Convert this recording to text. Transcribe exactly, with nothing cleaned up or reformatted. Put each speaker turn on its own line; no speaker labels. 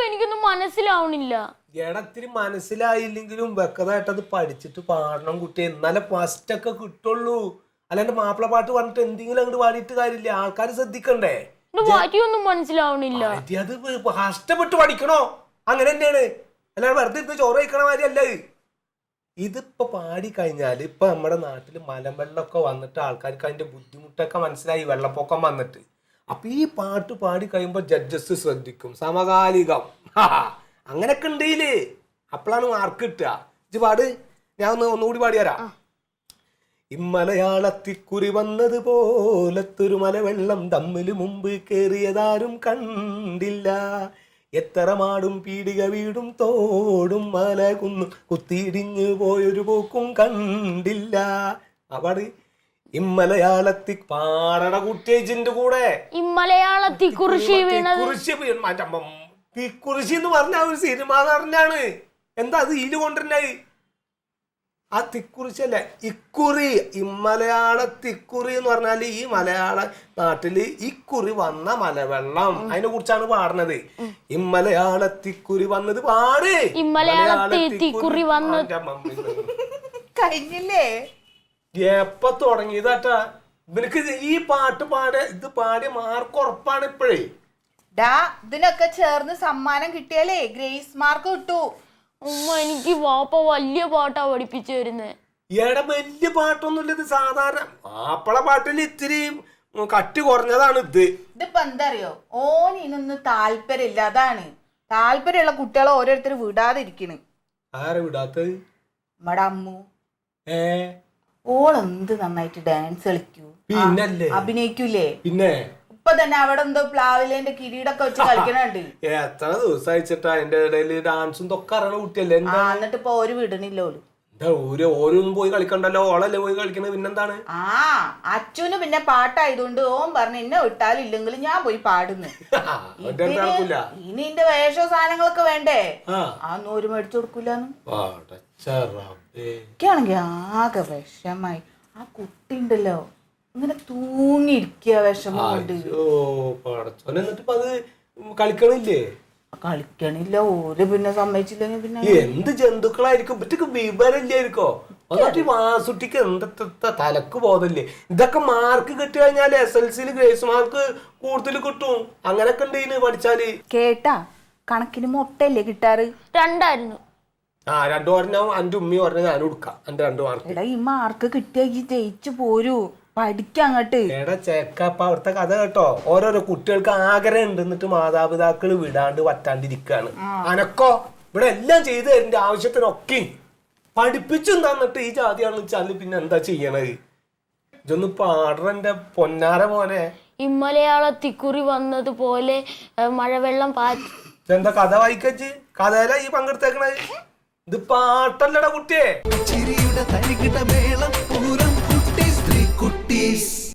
എനിക്കൊന്നും മനസ്സിലാവണില്ല.
എടത്തിരി മനസ്സിലായില്ലെങ്കിലും വെക്കതായിട്ട് അത് പഠിച്ചിട്ട് പാടണം കുട്ടി, എന്നാലേ ഫസ്റ്റ് ഒക്കെ കിട്ടുള്ളൂ. അല്ലാണ്ട് മാപ്പിള പാട്ട് പറഞ്ഞിട്ട് എന്തെങ്കിലും അങ്ങോട്ട് പാടിയിട്ട് കാര്യമില്ല, ആൾക്കാർ ശ്രദ്ധിക്കണ്ടേ.
വരിയൊന്നും മനസ്സിലാവണില്ല.
അത് കഷ്ടപ്പെട്ട് പഠിക്കണോ, അങ്ങനെ തന്നെയാണ്. അല്ലാണ്ട് വെറുതെ ഇരുന്ന് ചോറ് കഴിക്കണ മാതിരി അല്ല. ഇതിപ്പോ പാടി കഴിഞ്ഞാല് ഇപ്പൊ നമ്മുടെ നാട്ടില് മലവെള്ളമൊക്കെ വന്നിട്ട് ആൾക്കാർക്ക് അതിന്റെ ബുദ്ധിമുട്ടൊക്കെ മനസ്സിലായി, വെള്ളപ്പൊക്കം വന്നിട്ട്. അപ്പൊ ഈ പാട്ട് പാടി കഴിയുമ്പോ ജഡ്ജസ് ശ്രദ്ധിക്കും, സമകാലികം അങ്ങനൊക്കെ ഉണ്ടേലേ, അപ്പോഴാണ് മാർക്ക് കിട്ടുക. ഇത് പാട്, ഞാൻ ഒന്ന് ഒന്നുകൂടി പാടിയാരാ. ഇമ്മലയാളത്തിക്കുറി വന്നത് പോലത്തൊരു മലവെള്ളം തമ്മില് മുമ്പ് കേറിയതാരും കണ്ടില്ല. എത്ര മാടും പീടിക വീടും തോടും മല കുന്നും കുത്തിയിടിഞ്ഞു പോയൊരു പോക്കും കണ്ടില്ല. അവിടെ ഇമ്മലയാളത്തി പാടട കുട്ടിയേച്ചിന്റെ കൂടെ
ഇമ്മലയാളത്തിക്കുറിശി
തിക്കുറിശി എന്ന് പറഞ്ഞ ഒരു സിനിമ നടനാണ്. എന്താ അത് ഇതില് കൊണ്ടുവരുന്നത്? ആ തിക്കുറിശല്ല, ഇക്കുറി. ഇമ്മലയാള തിക്കുറി എന്ന് പറഞ്ഞാല് ഈ മലയാള നാട്ടില് ഇക്കുറി വന്ന മലവെള്ളം, അതിനെ കുറിച്ചാണ് പാടുന്നത്. ഇമ്മലയാള തിക്കുറി വന്നത് പാട്.
ഇമ്മലയാളത്തിക്കുറി വന്നത്
കഴിഞ്ഞില്ലേ?
എപ്പ തുടങ്ങിയതാട്ടാ ഇവനക്ക് ഈ പാട്ട് പാട ഇത് പാടിയ മാർക്ക് ഉറപ്പാണ് ഇപ്പോഴേ.
ഡാ, ഇതിനൊക്കെ ചേർന്ന് സമ്മാനം കിട്ടിയാലേ ഗ്രേസ് മാർക്ക് കിട്ടൂ.
ഉമ്മ, എനിക്ക് വാപ്പ വലിയ പാട്ടാ പഠിപ്പിച്ചു തരുന്നത്.
എടാ, വലിയ പാട്ടൊന്നുമില്ല, ഇത് സാധാരണ മാപ്പിള പാട്ടിൽ ഇത്തിരി കട്ടി കുറഞ്ഞതാണ് ഇത്.
ഇതിപ്പോ എന്താ അറിയോ, ഓൻ ഇനൊന്നും താല്പര്യമില്ല, അതാണ്. താല്പര്യമുള്ള കുട്ടികളെ ഓരോരുത്തർ വിടാതിരിക്കണ്.
ആരെ വിടാത്തത്?
നമ്മടെ അമ്മു.
ഏ
ഓൾ എന്ത് നന്നായിട്ട് ഡാൻസ് കളിക്കൂ,
പിന്നല്ലേ
അഭിനയിക്കൂലേ.
പിന്നെ
ഇപ്പൊ തന്നെ അവിടെ എന്തോ പ്ലാവിലേന്റെ കിരീടൊക്കെ വെച്ച് കളിക്കണുണ്ട്.
എത്ര ദിവസം അയച്ചിട്ടാ അതിന്റെ ഇടയിൽ ഡാൻസും തൊക്കെ അറിയണ കുട്ടിയല്ലേ.
എന്നിട്ട് ഇപ്പൊ ഒരു വിടണില്ലോ.
എന്താ ഓരോ ഓരോന്നും പോയി കളിക്കണ്ടല്ലോ, ഓളല്ലേ പോയി കളിക്കണത്. പിന്നെന്താണ്?
ആ അച്ഛന് പിന്നെ പാട്ടായതുകൊണ്ട് ഓൻ പറഞ്ഞു എന്നെ വിട്ടാലും ഇല്ലെങ്കിലും ഞാൻ പോയി പാടുന്നു. ഇനി എന്റെ വേഷോ സാധനങ്ങളൊക്കെ വേണ്ടേ, അതൊന്നും ഒരു മേടിച്ചു കൊടുക്കൂലെന്ന്. എനിക്കാണെങ്കി ആകെ വിഷമായി. ആ കുട്ടി ഉണ്ടല്ലോ ഇങ്ങനെ തൂങ്ങിയിരിക്കുക വിഷമം കൊണ്ട്.
കളിക്കണില്ലേ?
കളിക്കണില്ല. ഓര് പിന്നെ സമ്മതിച്ചില്ലെങ്കിൽ പിന്നെ
എന്ത് ജന്തുക്കളായിരിക്കും, ഇവറ്റക്ക് വിവരമില്ലായിരിക്കോ. എന്നിട്ട് വാസുട്ടിക്ക് എന്താ തലക്ക് ബോധമില്ലേ? ഇതൊക്കെ മാർക്ക് കിട്ടി കഴിഞ്ഞാല് എസ് എൽ സിയില് ഗ്രേസ് മാർക്ക് കൂടുതൽ കിട്ടും. അങ്ങനൊക്കെ ഉണ്ട് പഠിച്ചാല്.
കേട്ടാ, കണക്കിന് മുട്ടയല്ലേ കിട്ടാറ്?
രണ്ടായിരുന്നു.
ആ രണ്ടു പറഞ്ഞ അന്റെ ഉമ്മി പറഞ്ഞ ഞാനും കൊടുക്കാം എന്റെ രണ്ടു മാർക്ക്.
എടാ, ഈ മാർക്ക് കിട്ടിയ ജയിച്ചു പോരൂ, പഠിക്കങ്ങട്ട്.
എടാ ചെക്കപ്പ അവിടുത്തെ കഥ കേട്ടോ. ഓരോരോ കുട്ടികൾക്ക് ആഗ്രഹം ഉണ്ട്, എന്നിട്ട് മാതാപിതാക്കൾ വിടാണ്ട് പറ്റാണ്ടിരിക്കാണ്. അനക്കോ ഇവിടെ എല്ലാം ചെയ്തു തരേണ്ട ആവശ്യത്തിനൊക്കെ പഠിപ്പിച്ചു തന്നിട്ട് ഈ ജാതിയാണെന്ന് വെച്ചാല് പിന്നെ എന്താ ചെയ്യണത്? ഇതൊന്ന് പാടറന്റെ പൊന്നാര മോനെ.
ഇമ്മലയാളത്തിക്കുറി വന്നതുപോലെ മഴവെള്ളം പാറ്റി.
എന്താ കഥ വായിക്കച്ച്? കഥയില ഈ പങ്കെടുത്തേക്കണത്? ഇത് പാട്ടല്ലടാ കുട്ടിയെ.